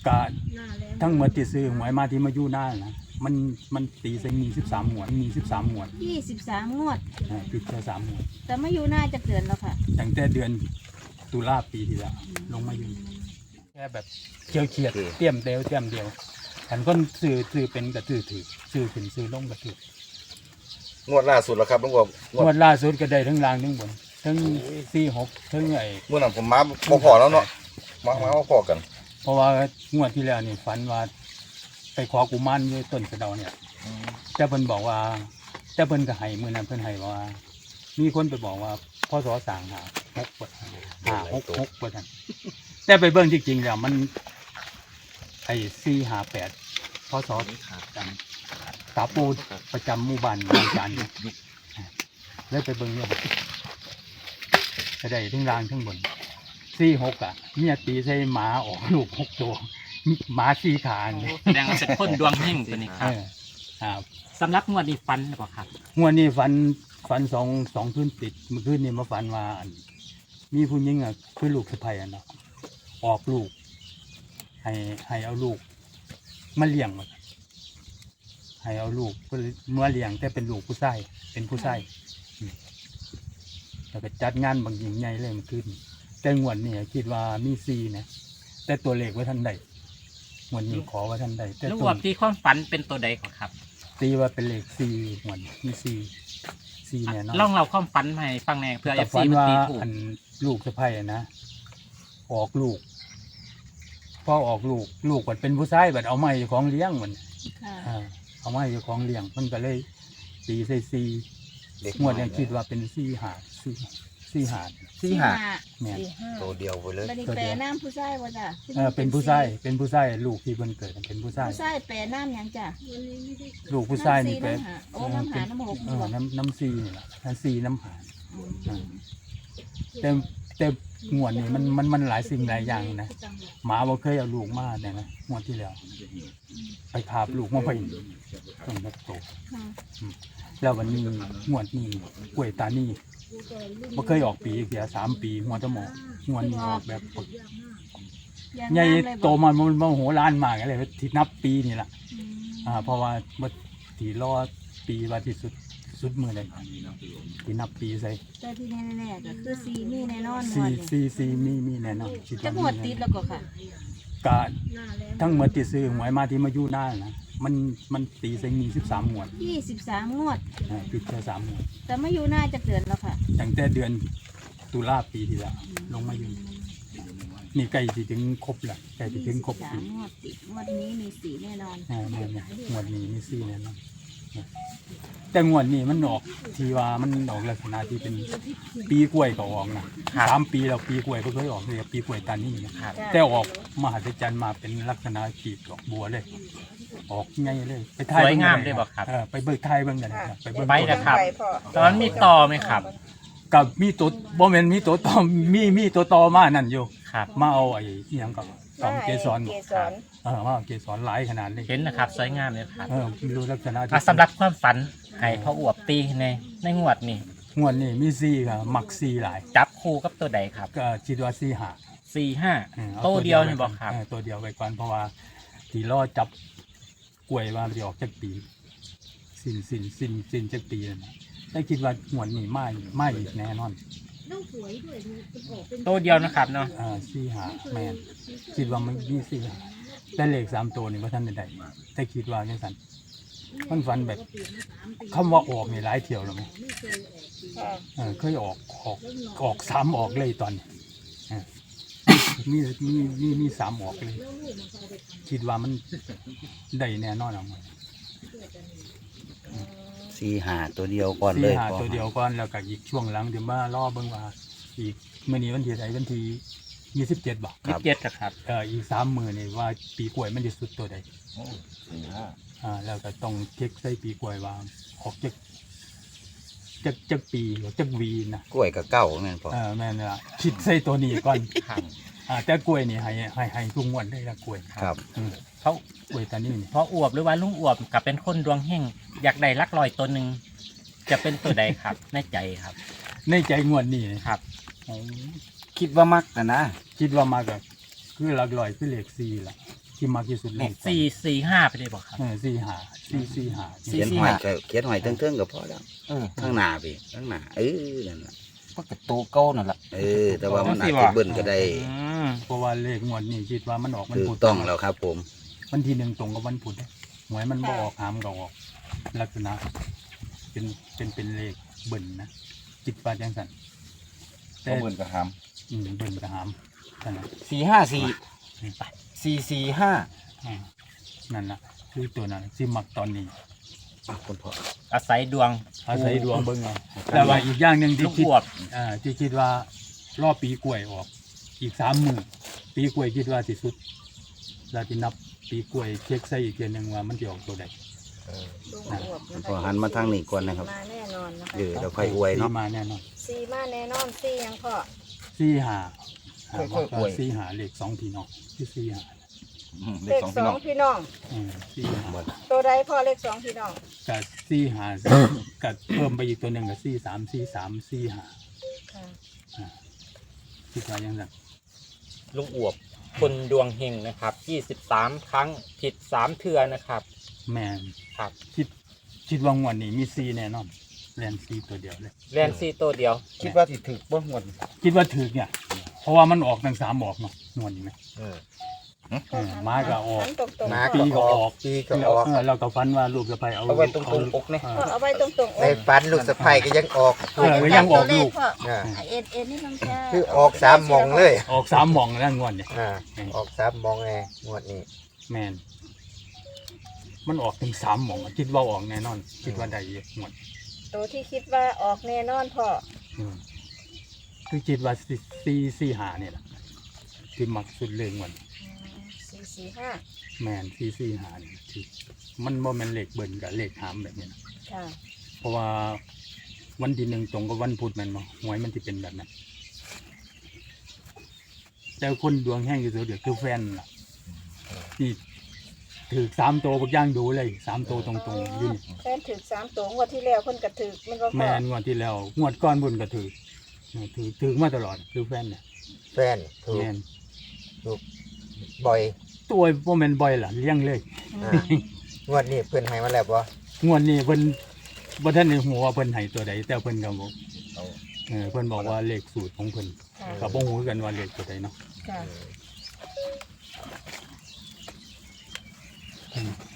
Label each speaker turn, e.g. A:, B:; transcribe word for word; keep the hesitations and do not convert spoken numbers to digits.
A: กะทั้งหมดที่ซื้อหวยมาที่มาอยู่หน้านะมันมันตีใส่มีสิบสามหมวดมีสิบสามหมวด
B: ยี่สิบสามงวด
A: อ่าติดแค่สามหมวด
B: แต่ไม่อยู่หน้าจะเกินแล้วค่ะ
A: ตั้งแต่เดือนตุลาปีที่แล้วลงมาอยู่แค่แบบเกี่ยวเขียดเตรียมเดียวเตรียมเดียวฉันก็ซื้อซื้อเป็นกระถือถือซื้อขึ้นซื้อลงกระถือง
C: วดล่าสุดแล้วครับลุงกบ
A: งวดล่าสุดก็ได้ทั้งล่างทั้งบนทั้งสี่หกทั้งไอ้
C: เมื่อนั้นผมมาพอพอแล้วเนาะมามาพอกัน
A: เพราะว่างวดที่แล้วนี่ฝันว่าไปขอกุมารอยู่ต้นกระเดาเนี่ยแต่เพิ่นบอกว่าแต่เพิ่นก็ให้มื้อนั้นเพิ่นให้ว่า มีคนไปบอกว่าพศสร้างหาหกบทหาหกหกบทนั่นแต่ไปเบิ่งจริงๆแล้วมันไอ้สี่หาแปดพศจำตาปูประจำหมู่บ้านบางจานแล้วไปเบิ่งเนี่ยจะได้ทั้งล่างทั้งบนสี่หกอ่ะเมียตีใส่หมาออกลูกหกตัวหมาสี่ขาเนี่ย
D: แสดงว่าเป็นคนดวงเฮงตัวนี้ค
A: เอ
D: รับ
A: อครับ
D: สำหรับงวดนี้ฟันหรือเปล่าครับ
A: งวดนี้ฝันฝันสองสองคืนติดเมื่อคืนนี้มาฝันว่าอันมีผู้หญิงอ่ะคือลูกสะใภ้อ่ะเนาะออกลูก ให้ให้เอาลูกมาเลี้ยงมาให้เอาลูกเมื่อเลี้ยงแต่เป็นลูกผู้ชายเป็นผู้ชายอืมแล้วก็จัดงานบางอย่างใหญ่เลยเมื่อคืนแต่งวดนี้คิดว่ามีซีนะแต่ตัวเลขไว้ท่านใดงวดนี้ขอไว้ท่านใดแต่
D: ลูก
A: ตั
D: อ
A: ว
D: วบที่ความฝันเป็นตัวใดก่อนครับ
A: ตีว่าเป็นเลขซีงวดนี้มีซีซีเนี่ยเนาะ
D: ลองเราความฝันมาให้ฟังแหน่เพื่อเอ
A: แต่
D: ฟ
A: ฝั
D: ซี
A: น
D: มัน
A: ว่า
D: ตีถูก
A: อันลูกสะใภ้อะนะออกลูกพอออกลูกลูกมันเป็นผู้ชายแบบเอาไม้ของเลี้ยงมัน
B: ค่ะ
A: อ่าเอาไม้ของเลี้ยงมันก็เลยตีใส่ซีงวดยังคิดว่าเป็นซีหาซีซีหา
C: สี่หา
A: แม่น
B: สี่ห้า
C: ตัวเดียวไปเลย
B: บัดนี้แปลน้ำผู้ชายว่าจ้ะ
A: เออเป็นผู้ชายเป็นผู้ชายลูกที่เพิ่นเกิดเป็นผู้ชาย
B: ผู้ชายแปลน้ำหยังจ้ะ
A: ลูกผู้ชายนี่เป็น
B: ำสี่ำหาโอ้น้ำหาน้ำหก
A: เอ
B: นี่
A: อ
B: บ่
A: น้ำน้ำซีนี่แหละน้ำซีน้ำหา
B: อืม
A: แต่แต่งวดนี่มันมันมันหลายสิ่งหลายอย่างนะหมาบ่เคยเอาลูกมาเนี่ยนะงวดที่แล้ว ไปคาบลูกมาไปต้องแบบโต
B: ค่ะ
A: แล้ววันนี้งวดนี้กล้วยตานี่บ่เคยออกปีเดียวสามปีหัวตะหมองวดนี้ออกแบบปึก
B: ยัง
A: ใหญ่
B: งามเลยบ่
A: โตมันมันโมโหล้านมากเลยที่นับปีนี่แหละ
B: อืม
A: อ่าเพราะว่าเมื่อที่รอปีว่าที่สุดสุดมือเลยที่นับปีใส่
B: แต่ที่แน่ๆก็คือซีมีแน่นอนง
A: ซี
B: วดนี้
A: ซีซีมีมีแน่นอนคิด
B: จะ
A: ว่าง
B: วด
A: มี
B: ติด
A: แน่
B: แล้วก็ค่ะ
A: กะทั้งหมดที่ซื้อหวยมาที่มาอยู่หน้านะมันมันตีใส่มีสิบสามหมวด
B: ยี่สิบสามงวด
A: อ่าติดแค่สามหมวด
B: แต่ไม่อยู่หน้าจะเกินแล้วค่ะ
A: ตั้งแต่เดือนตุลาปีที่แล้วลงมาอยู่นี่ใกล้ที่ถึงครบแล้วใกล้ที่ถึงครบ
B: สา
A: ปี
B: มงวดติดงวดนี้มีสีแน่นอน
A: อ่าเนี่ยเนี่ยงวดนี้มีซี่แน่นอนแต่งวดนี้มันออกที่ว่ามันออกลักษณะที่เป็นปีกล้วยก็ออกนะสามปีแล้วปีกล้วยก็เคยออกเลยปีกล้วยตานี่นะครับ แต่ออกมหัศจรรย์มาเป็นลักษณะกีบดอกบัวเลย ออกไงเลยไปถ่าย
D: สวยงาม
A: บิ่
D: เลยบอกครับ
A: เออไปเบิกไทยเบิ่งกันนะครับไปเบิ่ง
D: ไปนะครับ ตอนนั้นมีต่อไหมครับ
A: กับมีตัวบ่แม่นมีตัวต่อมีมีตัวต่อมานั่นอยู่
D: ครับ
A: มาเอาไอ้อีหยังกับตอมเกสร
E: เกสร
A: เออมาเอาเกสรหลายขนาดเลย
D: เห็นนะครับสวยงามเลยครับ
A: เออดูลักษณะที่
D: อ่ะสำหรับความฝันให้พ่ออวบตีในในงวดนี้
A: งวดนี้มีซีครับมักซีหลาย
D: จับคู่กับตัวใดครับ
A: ก็คิดว่าซีหา
D: สี่ห้า
A: อออา
D: ตัวเดียวนี่บอกครับ
A: เตัวเดียวไปก่อนเพราะว่าที่รอจับกล้วยว่ามันจะออกจากปี สิ้นสิ้นสิ้นสิ้นจากปีแล้วนะแต่คิดว่างวดนี้ไม่ไม่อีกแน่นอน
D: ตัวเดียวนะครับเนาะ
A: อ่าซีหาแมนคิดว่ามันมีซีหาแต่เลขสามตัวนี่ว่าท่านใดๆแต่คิดว่าจังสันมันฝันแบบคำว่าออกนี่หลายเที่ยวแล้วไหม
E: ค่ะ
A: เออเคยออกออกออกสามออกเลยตอนนี้เออมีมีมีมีสามออกเลย คิดว่ามันได้แน่นอนเอาไว้
F: สี่หาตัวเดียวก่อนเล
A: สี่
F: ย
A: หา
F: พอ
A: ตัวเดียวก่อนแล้วก็อีกช่วงหลังเดี๋ยวมารอเบิ่งว่า อีกเมื่อนี้วันที่ไหนวันที่ยี่สิบเจ็ดบอก
D: ยี่สิบเจ็ดนะครับ
A: เอออีกสามมือนี่ว่าปีกล้วยมันจะสุดตัวใด
C: สี่ห้า
A: อ่าแล้วก็ต้องเช็คใส่ปีกล้วยว่าออกจากจากจากปีหรือจากวีนะ
F: กล้วยกับเก้าแม่นพอ
A: เออแม่นละคิดใส่ตัวนี้ก่อน
D: ครับ
A: อ่าแต่กล้วยนี่ให้ให้ให้ทุกงวดได้ละกล้วย
F: ครับ
A: อืม
D: เพราะ
A: กล้วยตานี่นี่
D: เพราะอวบหรือว่าลุงอวบกับเป็นคนดวงเฮงอยากได้ลักลอยตัวหนึ่งจะเป็นตัวใดครับ ในใจครับ
A: ในใจงวดนี้นะครับ อ๋อ
F: คิดว่ามักนะนะ
A: คิดว่ามากับคือหลักลอยคือเลขสี่ละที่มากที่สุดเลข
D: สี่สี่ห้าไปเลยบอกครับ
A: เออสี่หาสี่สี่หา
D: สี่
F: เขียนหอยก็เขียนหอยเทิงๆก็พอแล้ว
E: เออ
F: ข้างหน้าพี่ข้างหน้าเออนั่นน่ะ
E: ก็กระตูเก้านั่นแหละ
F: เออ แต่ว่ามันอาจจะเบิ้ลก็ได้
D: อืม
A: เพราะว่าเลขงวดนี้คิดว่ามันออกมัน
F: ถู
A: พุ
F: ก
A: ธ
F: ต้องแล้วครับผม
A: วันที่หนึ่งตรงกับวันพุธเด้หวยมันบ่ออกหามก็ออกลักษณะเป็นเป็นเป็นเลขเบิ่นนะจิตปาจังสันแต่
C: ก็เหมือนกับหาม
A: อืมเบิ่นกับหามนั่นน่ะ
E: สี่ห้าสี่สี่สี่ห้า
A: อ่านั่นน่ะคือตัวนั้นที่มักตอนนี้
F: อ่ะคุณพ่อ
D: อาศัยดวง
A: อาศัยดวงเบิ่งเอาแต่ว่าอีกอย่างหนึ่ง
D: ลู
A: ที่
D: ก
A: คิด
D: บวบ
A: อ่าที่คิดว่ารอบปีกล้วยออก อีกสามมือปีกล้วยคิดว่าสิสุดเราจะนับปีกล้วยเช็คใส่อีกเทียหนึงว่ามันจะออกตัวใด
B: ลุงอวบ
F: คุณ
B: นะ
F: พ่อ
B: คะ
F: หันมาทางนี้ก่อนนะครับ
B: มาแน่นอนนะคะ
F: เออเราค่อยอวยเนาะ
A: สี่มาแน่นอน
B: ซีมาแน่นอนซียังพ่อ
A: สี่หาหาว่าก็สี่หาเลขสองพี่น้องที่สี่หา
C: อืมเล
B: เล
C: ข
B: ข
C: สอง
B: ส
C: พี่
B: อ
C: น้อง ง
B: พี่น้อง
A: อืมสี่หา
B: ตัวใดพ่อเลขสองพี่น้อง
A: กับสี่หากับเพิ่มไปอีกตัวหนึ่งกับสี่สามสี่สามสี่หา
B: ค่ะ
A: อ่าคิดว่ายังไง
D: ลุงอวบคนดวงเฮงนะครับยี่สิบสามครั้งผิดสามเทือนะครับ
A: แม่น
D: ครับ
A: คิดคิดว่างวดนี้มีสี่แน่นอนแลนสี่ตัวเดียวเลย
D: แลนซีตัวเดียว
E: คิดว่าสิถึกบ่หมด
A: คิดว่าถือเนี่ย เพราะว่ามันออกทั้งสามออกเนาะงวดนี้ไหม
E: เออ
A: เออม้าก็ออก
B: หันตรงๆ
E: ม้า
A: ปีก็ออก
E: ปีก็ออก
A: เออเราก็ฟันว่าลูกสะใภ้เอา
E: เอาไว้ตรงๆอกเนี่ย
A: เอ
B: พ่อ
A: อ
B: เอาไว้ตรงๆ
E: ในฝันลูกสะใภ้ก็ยังออก
A: เออก็ยังออกลูก
B: พ่อ
E: อ่า
B: เอ็นเอ็นนี่ต้องแช่
E: คือออกสามหมองเลย
A: ออกสามหม่องแล้วงวดเนี่ย
E: อ่าออกสามหมองไงงวดนี้
A: แมนมันออกถึงสามหม่องอะคิดว่าออกแน่นอน คิดว่าได้เยอะงวด
B: ตัวที่คิดว่าออกแน่นอนพ่อ
A: อืมคือคิดว่าสี่สี่สี่หาเนี่ยแหละที่มักสุดเลยงวด
B: สี่สี่ห้า
A: แมนสี่สี่หาเนี่ยที่มันโมเมนเลขเบิ่นกับเลขหามแบบนี้นะ
B: ค่ะ
A: เพราะว่าวันที่หนึ่งตรงกับวันพุธแมันบ่หวยมันจะเป็นแบบนั้นแต่คนดวงแห้งอยู่สุดเดี๋ยวคือแฟนล่ะที่ถือสามตัวบักย่างดูเลยสามตัวตรงๆอยืน
B: แฟนถือสามตัวงวดที่แล้วเพิ่นกระถือมันก็
A: แม
B: พ่อน
A: งวดที่แล้วงวดก้อนบุญก็ถือเออถือถือมาตลอดคือแฟนเนี่ย
E: แฟนถูก
A: แมน
E: บ่อย
A: ตัวโมเมนบ่อยล่ะเลี้ยงเลย
E: อ่างวดนี้เพิ่นให้มาแล้วบ่
A: งวดนี้เพิ่นบ่ทันได้ฮู้ว่าเพิ่นให้ตัวใดแต่เพิ่นก็บอก
C: เอา
A: เออเพิ่นบอกว่าเลขสูตรของเพิ่น
B: ค่ะ
A: ก็บ่ฮู้คือกันว่าเลขตัวใดเนาะ
B: ค่ะ
A: อืม